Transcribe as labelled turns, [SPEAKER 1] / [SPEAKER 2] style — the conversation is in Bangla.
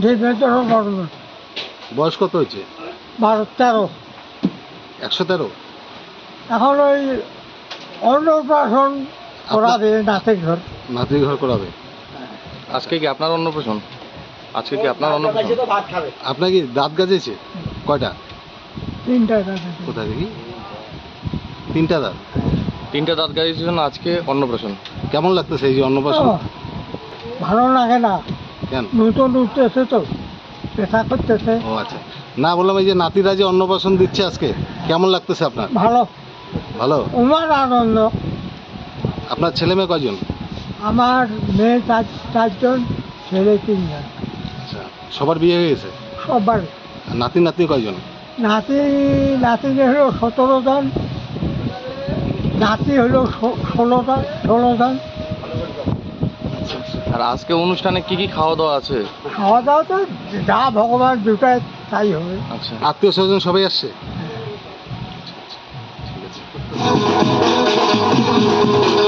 [SPEAKER 1] নিবেদন করব।
[SPEAKER 2] বয়স কত হয়েছে?
[SPEAKER 1] 12-13।
[SPEAKER 2] 113।
[SPEAKER 1] এখন ওই অন্নপ্রাশন করাবে নাতির ঘর।
[SPEAKER 2] নাতির ঘর করাবে।
[SPEAKER 3] আজকে কি আপনার অন্নপ্রাশন? আজকে কি আপনার অন্নপ্রাশন?
[SPEAKER 2] আপনার কি দাঁত গাজেছে? কয়টা?
[SPEAKER 1] 3টা দাঁত।
[SPEAKER 2] কোথায় দেখি? 3টা দাঁত।
[SPEAKER 3] 3টা দাঁত গাড়ির জন্য আজকে অন্নপ্রাশন।
[SPEAKER 2] কেমন লাগতেছে এই যে অন্নপ্রাশন?
[SPEAKER 1] ভালো লাগে না,
[SPEAKER 2] কেন?
[SPEAKER 1] নতুন উঠতেছে তো, ব্যথা করতেছে।
[SPEAKER 2] ও আচ্ছা, না বললাম এই যে নাতিরা যে অন্নপ্রাশন দিচ্ছে আজকে, কেমন লাগতেছে আপনার?
[SPEAKER 1] ভালো,
[SPEAKER 2] ভালো।
[SPEAKER 1] আমার আনন্দ।
[SPEAKER 2] আপনার ছেলে মেয়ে কয়জন?
[SPEAKER 1] আমার মেয়ে 4জন, ছেলে 3জন।
[SPEAKER 2] আচ্ছা, সবার বিয়ে হয়ে গেছে?
[SPEAKER 1] সবার।
[SPEAKER 2] আর নাতি নাতনি কয়জন?
[SPEAKER 1] নাতি হলো 17 জন, নাতি হলো 16 জন।
[SPEAKER 3] আর আজকে অনুষ্ঠানে কি কি খাওয়া দাওয়া আছে?
[SPEAKER 1] খাওয়া দাওয়া তো যা ভগবান দুটায় তাই হবে।
[SPEAKER 3] আচ্ছা,
[SPEAKER 2] আত্মীয় স্বজন সবাই আসছে? ঠিক আছে।